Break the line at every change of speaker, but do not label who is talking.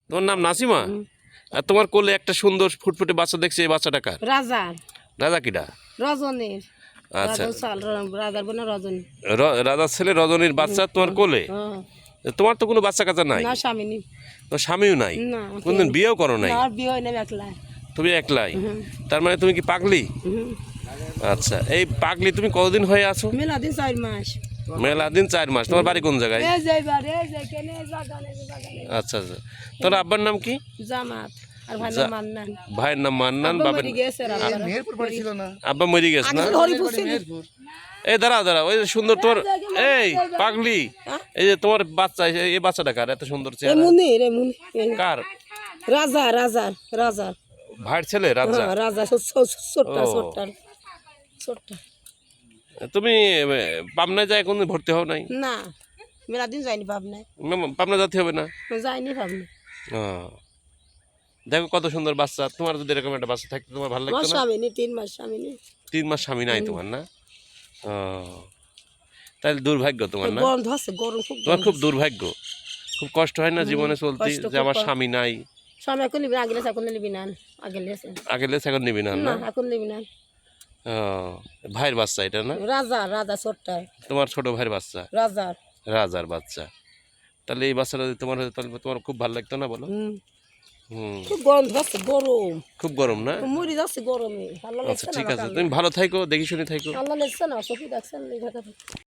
তোমার নাম নাসিমা? আর তোমার কোলে একটা সুন্দর ফুটফুটে বাচ্চা দেখছি, এই বাচ্চাটা কার?
রাজা।
রাজা কিডা?
রজনীর।
আচ্ছা,
রাজার বোন রজনী।
রাজার ছেলে রজনীর বাচ্চা তোমার কোলে? তোমার তো কোনো বাচ্চা কাচ্চা নাই?
না, স্বামী নেই।
তোমার স্বামীও নাই?
না।
কোনদিন বিয়েও করো নাই?
না, বিয়ে হয় না, একলা।
তুমি একলাই? তার মানে তুমি কি পাগলি? আচ্ছা, এই পাগলি তুমি কতদিন হয়ে আছো?
মেলা দিন 4 মাস।
মেলা দিন 4 মাস। তোমার বাড়ি কোন জায়গায়?
এই যে এবার, এই যে কেনে জাগানে জাগানে।
আচ্ছা আচ্ছা, তোমার আব্বার নাম কি?
জামাত। আর ভাই নাম মান্নান।
ভাইয়ের নাম মান্নান,
আব্বা
বাবার
মরে গেছে রাজা।
মেহেরপুর বাড়ি ছিল না?
আব্বা মরে গেছে না?
হরিপুর ছিল।
এই দাঁড়াও দাঁড়াও, ওই যে সুন্দর তোর, এই পাগলি, এই যে তোমার বাচ্চা, এই বাচ্চাটা কার এত সুন্দর চেহারা?
মুনির, এ মুনির।
কার?
রাজা, রাজা, রাজা।
ভাইয়ের ছেলে রাজা?
হ্যাঁ, রাজা ছোট্টা
ও।
ছোট্টা ছোট্টা।
তুমি পাবনায় যায় কোনদিন ভর্তি হও নাই?
না, মেলা দিন যাইনি ভাবনায়।
পাবনা যেতে হবে না?
যাইনি ভাবনা।
ও, দেখো কত সুন্দর বাচ্চা। তোমার যদি এরকম একটা বাচ্চা থাকতো তোমার ভালো
আমার
লাগতো না?
স্বামী নেই, 3 মাস স্বামী নেই।
3 মাস স্বামী নাই তোমার না? ও, তাহলে দুর্ভাগ্য তোমার না?
গন্ধ আছে, গরম খুব।
তোমার খুব দুর্ভাগ্য, খুব কষ্ট হয় না জীবনে চলতে,
কষ্ট
যে
খুব
আমার
হয়।
স্বামী নাই?
স্বামী এখন নিবি না, আগে লেছে, এখন নিবি না। আগে লেছে।
আগে লেস এখন নিবি না?
না,
না,
এখন নিবি না।
ও, ভাইয়ের বাচ্চা এটা না?
রাজা, রাজা ছোট্টা।
তোমার ছোট ভাইয়ের বাচ্চা,
রাজার।
রাজার বাচ্চা। তাহলে এই বাচ্চাটা যদি তোমার হতো তাহলে তোমার খুব ভালো লাগতো না বলো? হুম,
খুব গন্ধ আছে, গরম।
খুব গরম না?
মরি যাচ্ছে গরমে। আল্লাহ
আচ্ছা
লেছে
ঠিক
না,
আছে, তুমি ভালো থাইকো, দেখি শুনে থাইকো।
আল্লাহ লেছে না, চোখে দেখছেন এই ঢাকা।